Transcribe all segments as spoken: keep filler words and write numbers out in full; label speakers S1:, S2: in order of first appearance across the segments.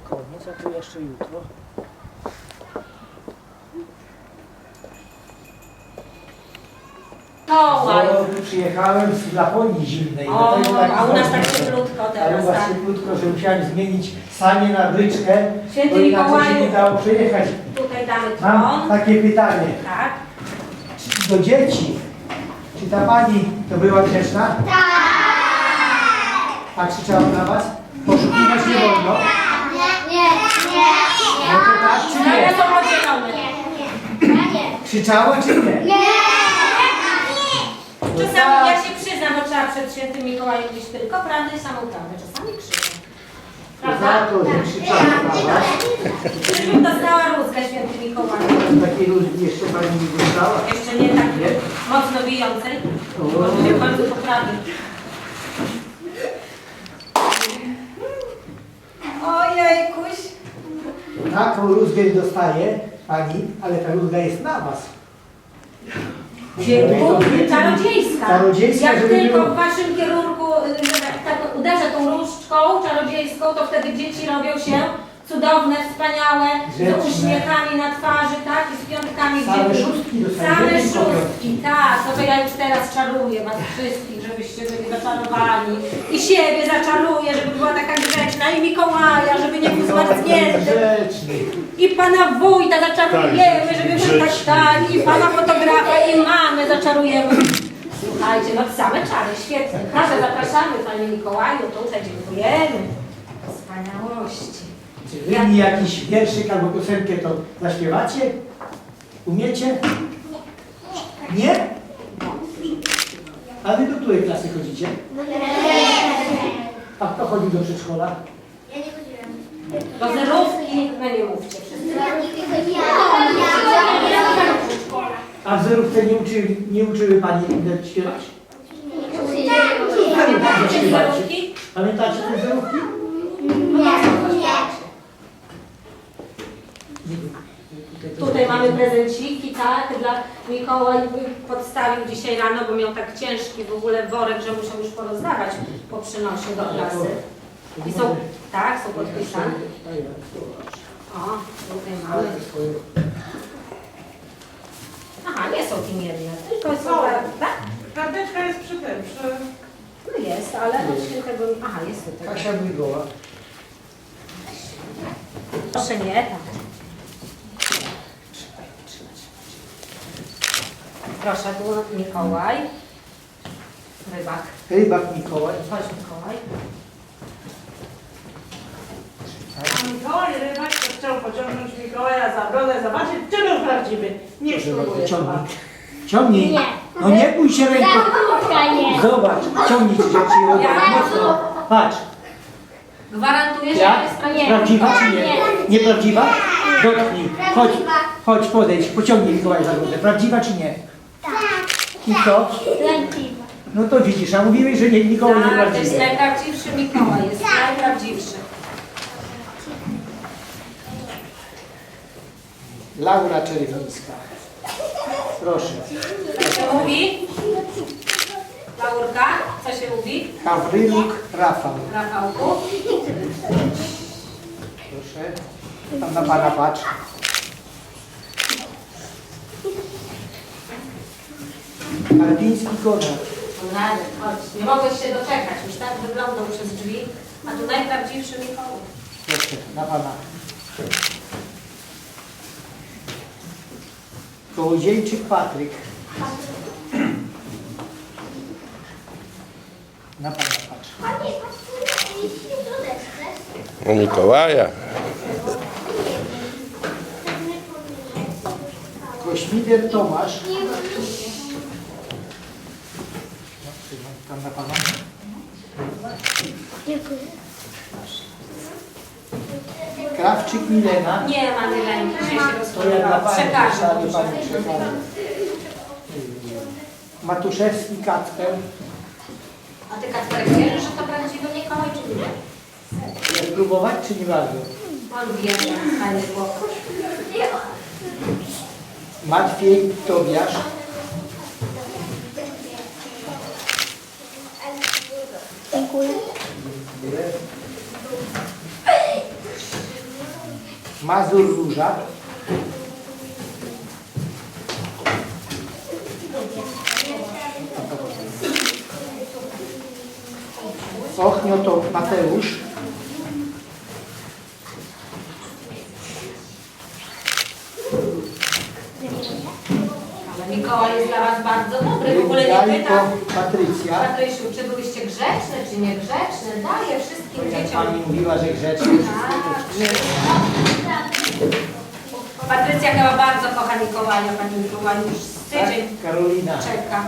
S1: koniec, a tu jeszcze jutro.
S2: No, ładnie.
S1: Bo przyjechałem z Laponii zimnej.
S2: O,
S1: dlatego tak
S2: a u nas tak
S1: zimno.
S2: cieplutko
S1: Ale
S2: teraz,
S1: u was
S2: tak.
S1: cieplutko, że musiałem zmienić sanie na bryczkę,
S2: Święty
S1: bo inaczej się
S2: Mikołaju.
S1: nie dało przejechać.
S2: Tutaj damy
S1: Mam
S2: tron.
S1: takie pytanie.
S2: Tak.
S1: Czy do dzieci, czy ta pani to była grzeczna? Tak! A krzyczała na was? Poszukiwać nie wolno? No to tak czy
S2: Teraz
S1: nie?
S2: są podzielone.
S1: Krzyczała czy nie? No
S2: Czasami ja
S1: tak.
S2: się przyznam, bo trzeba przed świętym Mikołajem mówić tylko prawdę i samą prawdę. Czasami krzyczę.
S1: To za
S2: Prawda?
S1: to, że krzyczała na was.
S2: Żebym dostała rózgę święty Mikołaju.
S1: Takiej różni jeszcze pani nie dostała.
S2: Jeszcze nie takiej mocno bijącej, bo mówię bardzo poprawnie. Ojejkuś.
S1: Taką rózgę dostaje pani, ale ta rózga jest na was.
S2: Dziękuję. Czarodziejska.
S1: Czarodziejska,
S2: Jak
S1: żeby
S2: tylko
S1: było-
S2: w waszym kierunku y, że tak, tak uderzę tą różdżką czarodziejską, to wtedy dzieci robią się cudowne, wspaniałe, z
S1: Grzeczne.
S2: uśmiechami na twarzy, tak? I z piątkami w
S1: Same
S2: dzieci.
S1: szóstki dostają,
S2: Same
S1: nie tylko
S2: szóstki, tak. No to ja już teraz czaruję was wszystkich, żebyście byli zaczarowani. I siebie zaczaruję, żeby była taka grzeczna. I Mikołaja, żeby nie był zmarznięty.
S1: Grzeczny.
S2: I pana wójta zaczarujemy, żeby był tak, tak. I pana fotografa, i mamy zaczarujemy. Słuchajcie, no same czary, świetnie. Proszę, zapraszamy Panie Mikołaju, tutaj dziękujemy. Wspaniałości.
S1: Czy wy mi jakiś wierszyk albo piosenkę to zaśpiewacie? Umiecie? Nie? A wy do której klasy chodzicie? A kto chodzi do przedszkola?
S2: Do zerówki, no nie mówcie wszyscy.
S1: A w zerówce nie uczyły, nie uczyły pani inne śpiewać?
S2: Pamiętacie te zerówki?
S1: Pamiętacie te zerówki?
S2: Tutaj mamy prezenciki, tak, dla Mikołaj podstawił dzisiaj rano, bo miał tak ciężki w ogóle worek, że musiał już porozdawać po przynosie do klasy. I są, tak, są podpisane. O, tutaj mamy. Aha, nie są imienne, tylko są, tak?
S3: Karteczka jest przy tym, przy...
S2: No jest, ale od świętego, aha, jest tutaj.
S1: Kasia Błygoła.
S2: Proszę nie, tak. Proszę, tu Mikołaj. Rybak.
S1: Rybak Mikołaj.
S2: Chodź Mikołaj.
S3: A Mikołaj Rybak to chciał pociągnąć Mikołaja za brodę, zobaczyć, czy był prawdziwy. Niech spróbuje.
S1: Ciągnij. Ciągnij. No nie bój się ręką. Zobacz, ciągnij ci rzeczy i odwróć mocno. Patrz.
S2: Gwarantuję, że
S1: Ja?
S2: to jest prawdziwe.
S1: Prawdziwa czy nie? Nieprawdziwa? Dotknij. Chodź, chodź, podejdź, pociągnij Mikołaj za brodę. Prawdziwa czy nie? I co? No to widzisz, a mówiłeś, że nie, Mikołaj
S2: Tak, to jest
S1: nieprawdziwy.
S2: najprawdziwszy Mikołaj, jest najprawdziwszy.
S1: Laura Czerwińska. Proszę.
S2: Co się mówi? Laurka, co się mówi?
S1: Gawryluk Rafał.
S2: Rafałku?
S1: Proszę. Tam na pana patrz. Karpiński Konrad.
S2: Konrady, chodź. Nie mogłeś się doczekać, już tak wyglądał przez drzwi, a tu najprawdziwszy Mikołaj.
S1: Proszę, na pana. Kołodziejczyk Patryk. Na pana patrz.
S4: O Mikołaja.
S1: Kośmider Tomasz. No, trzymam tam na pana. Krawczyk Milena.
S2: Nie ma Mileni, dzisiaj się
S1: To ja dla
S2: rozpłynęła.
S1: pani,
S2: Przekażę.
S1: pani, pani przekażę. Matuszewski Kacper.
S2: A ty Kacperek wierzysz, że to prawdziwy Mikołaj, czy nie?
S1: Chcesz próbować, czy nie bardzo?
S2: On wie, że fajny chłopak.
S1: Matwiej Tobiasz.
S5: Dziękuję.
S1: Mazur Róża. Ochnio to Mateusz.
S2: Ale Mikołaj jest dla Was bardzo dobry, w ogóle nie
S1: Jajko
S2: pyta.
S1: Patrycja.
S2: Patrysiu, czy byliście grzeczne, czy niegrzeczne? Daję wszystkim
S1: Jak
S2: dzieciom.
S1: pani mówiła, że grzeczny.
S2: Patrycja chyba bardzo kocha Mikołaja, Pani Mikołaj już z tydzień
S1: Tak, Karolina.
S2: czeka.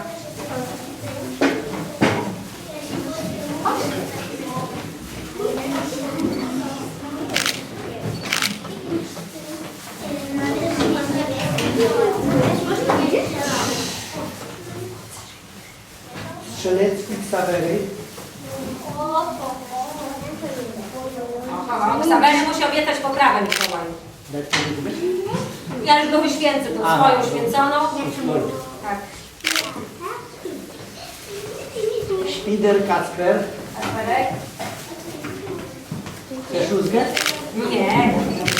S1: Strzelecki Ksawery.
S2: Ksawery musi obiecać poprawę Mikołaju.
S1: Dać mi liczbę?
S2: Ja już go wyświęcę, tą
S1: A,
S2: swoją
S1: dobra.
S2: święconą. Tak.
S1: Szpider Kacper.
S2: Kacperek?
S1: Chcesz rózgę?
S2: Nie.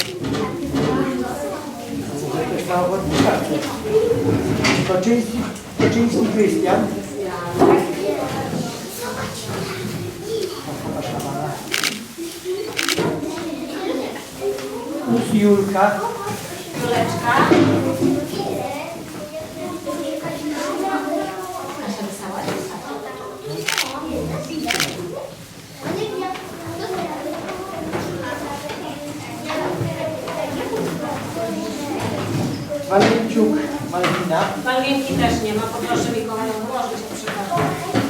S1: Może też na ochotnika. Toczyński, Toczyński Krystian. Us Julka.
S2: Króleczka. Proszę wesoła.
S1: Walenciuk Malwina.
S2: Malwinki też nie ma, poproszę Mikołaja włożyć, przepraszam.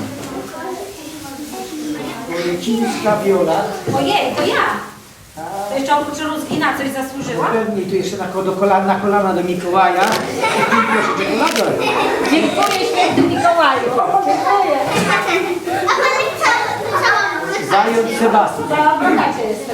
S1: Bolecińska Wiola.
S2: Ojej, to ja! To jeszcze oprócz rózgi na coś zasłużyłam?
S1: Pewnie tu jeszcze na, ko- do kolana, na kolana do Mikołaja. I proszę czekolador.
S2: Dziękuję święty Mikołaju. Dziękuję.
S1: Zając Sebastian.
S2: Za bogacie jestem.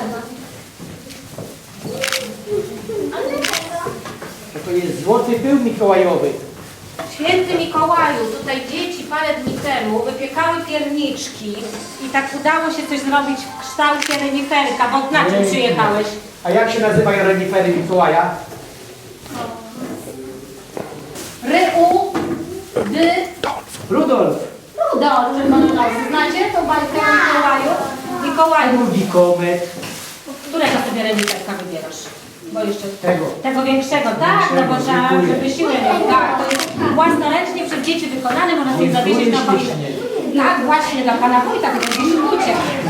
S1: To, to jest złoty pył mikołajowy.
S2: Święty Mikołaju, tutaj dzieci parę dni temu wypiekały pierniczki i tak udało się coś zrobić w kształcie reniferka, bo na czym
S1: Ojej.
S2: przyjechałeś?
S1: A jak się nazywają renifery Mikołaja?
S2: Ryu, dy,
S1: Rudolf.
S2: Rudolf, czerwononosy. Znacie tą bajkę o Mikołaju? Mikołaju,
S1: Drugi komet.
S2: którego sobie reniferka wybierasz? Bo jeszcze
S1: Tego.
S2: Tego większego, tak, no bo trzeba,
S1: Dziękuję.
S2: żeby siłę mieć. Tak, to jest własnoręcznie przez dzieci wykonane, można sobie
S1: Dziękuję
S2: zawiesić na choinkę.
S1: ślicznie.
S2: Tak, właśnie dla Pana Wójta, to będzie ślucie.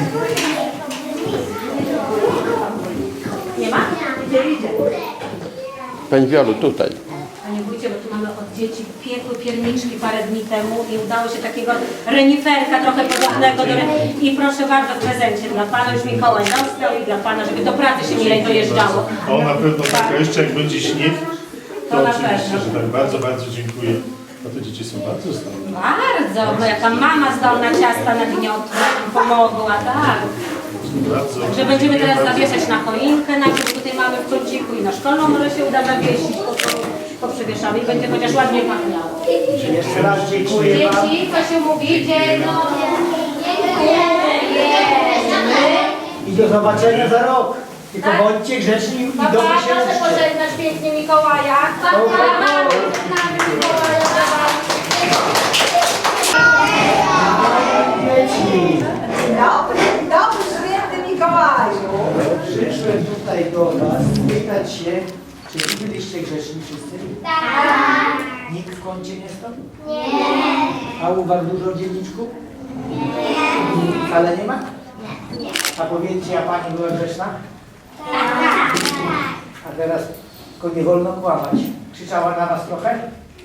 S2: Nie ma? Idzie, idzie.
S4: Pani Wiolu, tutaj.
S2: Panie Wójcie, bo tu mamy od dzieci piekły pierniczki parę dni temu i udało się takiego reniferka trochę podobnego do... re- I proszę bardzo w prezencie dla Pana, już Mikołaj dostał i dla Pana, żeby do pracy się milej dojeżdżało.
S5: O, na pewno tak, a jeszcze jak będzie śnieg, to,
S2: To na
S5: oczywiście,
S2: pewno.
S5: że tak. Bardzo, bardzo dziękuję. A te dzieci są bardzo zdolne.
S2: Bardzo, bo jaka mama zdolna ciasta na gniotło pomogła, tak.
S5: Bardzo.
S2: Że będziemy
S5: dziękuję
S2: teraz
S5: bardzo.
S2: zawieszać na choinkę, najpierw tutaj mamy w kąciku i na szkolną może się uda zawiesić, po, po przewieszamy i będzie chociaż ładnie pachniało.
S1: Jeszcze raz dziękuję Wam.
S2: Dzieci, co się mówi? Dzień
S1: I do zobaczenia za rok. Tylko
S2: Tak.
S1: bądźcie grzeczni i
S2: Papa,
S1: dobrze się
S2: proszę
S1: uczcie.
S2: pożegnać pięknie Mikołaja.
S1: Dobra. Dzieci,
S3: Dobry, dobry, święty Mikołaju.
S1: przyszłem tutaj do Was spytać się, czy Wy byliście grzeczni wszyscy?
S6: Tak.
S1: Nikt w kącie nie stał?
S6: Nie.
S1: A u Was dużo dzienniczków? Nie. Wcale nie ma?
S6: Nie.
S1: A powiedzcie, a Pani była grzeczna?
S6: Tak.
S1: A teraz tylko nie wolno kłamać. Krzyczała na Was trochę?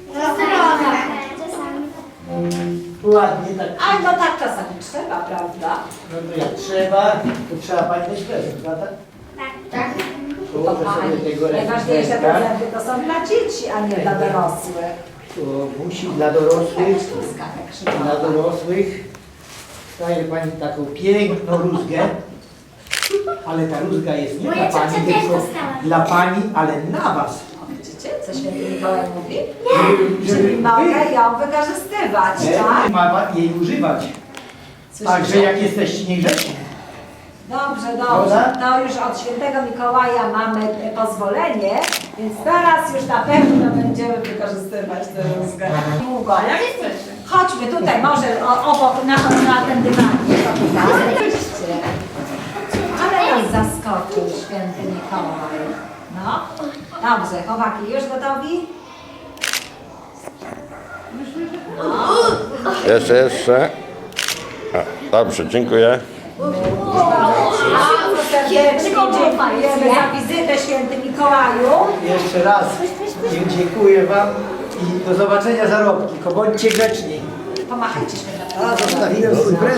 S1: Ładnie tak.
S3: A no tak czasami trzeba, prawda?
S1: No to jak trzeba, to trzeba Pani dać prezent, prawda?
S6: Tak.
S1: Położę sobie tego
S3: Najważniejsze
S1: ręcznika.
S3: prezenty to są dla dzieci, a nie dla dorosłych.
S1: To musi dla dorosłych, dla dorosłych. Daje Pani taką piękną rózgę, ale ta rózga jest nie
S6: Moja
S1: dla Pani,
S6: ciocia też
S1: tylko
S6: dostała.
S1: dla Pani, ale na Was.
S3: Widzicie, co święty Mikołaj mówi?
S1: Żeby
S3: Czyli
S1: wy
S3: mogę ją wykorzystywać,
S1: nie,
S3: tak?
S1: ma Pani jej używać. Także jak jesteście niegrzeczni.
S2: Dobrze, dobrze. To już od świętego Mikołaja mamy pozwolenie, więc teraz już na pewno będziemy wykorzystywać tę rózgę. Długo.
S3: A jak chcecie?
S2: Chodźmy tutaj, może o- obok, na, na ten dywanik. Oczywiście. Ale nas zaskoczył święty Mikołaj. No, dobrze, chłopaki, już gotowi?
S4: Jeszcze, jeszcze. A, dobrze, dziękuję.
S2: Bardzo serdecznie dziękujemy za wizytę, święty Mikołaju.
S1: Jeszcze raz dziękuję Wam i do zobaczenia za rok. Tylko bądźcie grzeczni.
S2: Pomachajcie świętemu.
S1: A, zostawiłem swój prezent.